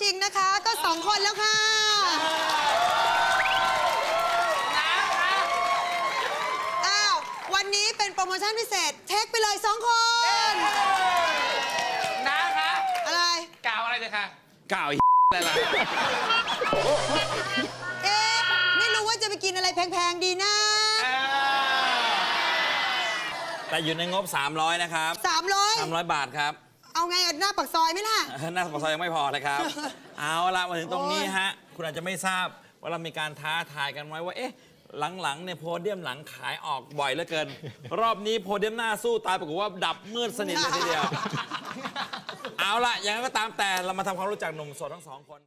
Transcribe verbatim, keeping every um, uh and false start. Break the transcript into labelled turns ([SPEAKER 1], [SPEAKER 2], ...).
[SPEAKER 1] ริงๆนะคะ ก็สองคนแล้วค่ะอ้าววันนี้เป็นโปรโมชั่นพิเศษเทคไปเลยสองคน
[SPEAKER 2] น้าคะ
[SPEAKER 1] อะไร
[SPEAKER 2] กล่าวอะไรเลยค่ะ
[SPEAKER 3] กล่าวอะไรล่ะ
[SPEAKER 1] เอ๊ะไม่รู้ว่าจะไปกินอะไรแพงๆดีนะ
[SPEAKER 3] แต่อยู่ในงบสามร้อยนะครับ
[SPEAKER 1] สามร้อย
[SPEAKER 3] สามร้อยบาทครับ
[SPEAKER 1] เอาไงหน้าปากซอยไหมล่ะ
[SPEAKER 3] หน้าปากซอยยังไม่พอเลยครับ เอาละมาถึงตรงนี้ฮะคุณอาจจะไม่ทราบว่าเรามีการท้าทายกันไว้ว่าเอ๊ะหลังๆเนี่ยโพเดียมหลังขายออกบ่อยเหลือเกิน รอบนี้โพเดียมหน้าสู้ตายปรากฏว่าดับมืดสนิทเลยทีเดียว เอาละอย่างนั้นก็ตามแต่เรามาทำความรู้จักหนุ่มโสดทั้งสองคน